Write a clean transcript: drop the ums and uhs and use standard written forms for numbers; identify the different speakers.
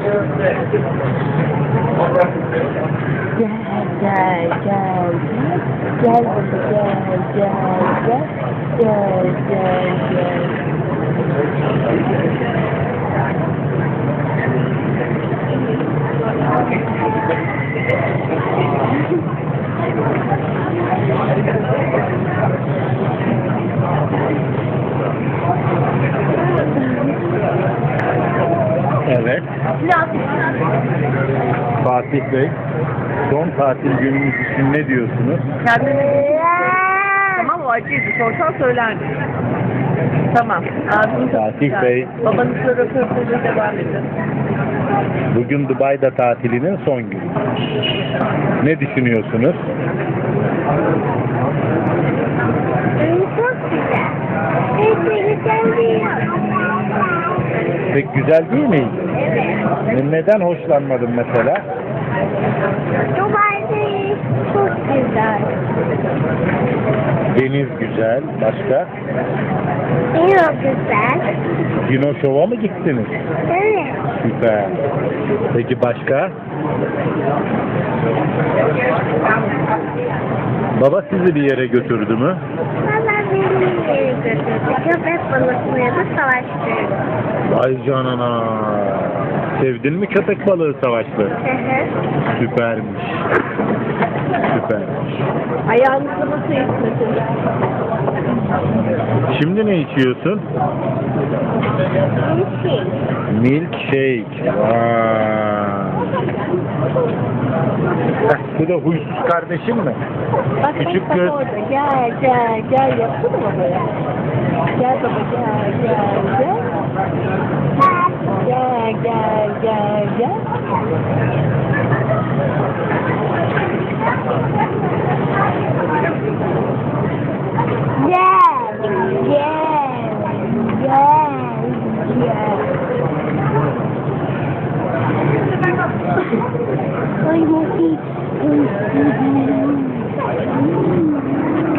Speaker 1: Gel
Speaker 2: Evet. Fatih Bey, son tatil günümüz için ne diyorsunuz?
Speaker 3: Tamam, o acıydı. Sorsan söylerdim. Tamam. Ağzını
Speaker 2: Fatih Bey,
Speaker 3: babanızla röportajı devam edin.
Speaker 2: bugün Dubai'de tatilinin son günü. Ne düşünüyorsunuz?
Speaker 1: Çok güzel. Güzel değil.
Speaker 2: Pek güzel değil mi?
Speaker 1: Evet.
Speaker 2: Neden hoşlanmadın mesela?
Speaker 1: Dubai'de çok güzel.
Speaker 2: Deniz güzel. Başka?
Speaker 1: Çok güzel.
Speaker 2: Dino Show'a mı gittiniz?
Speaker 1: Evet.
Speaker 2: Süper. Peki başka? Baba sizi bir yere götürdü mü?
Speaker 1: Valla beni bir yere götürdü. Köpek balıklarıyla savaştırdı.
Speaker 2: Vay canına. Sevdin mi köpek balığı savaşları? Süpermiş. Süpermiş.
Speaker 3: Ayağınızı nasıl içmesiniz?
Speaker 2: Şimdi ne içiyorsun? Milkshake. Vay. Bu da huysuz kardeşin mi?
Speaker 3: Bak,
Speaker 2: Küçük
Speaker 3: bak,
Speaker 2: göz.
Speaker 3: orada. Gel yapsana babaya. Gel baba, gel. Gel.
Speaker 1: Ay,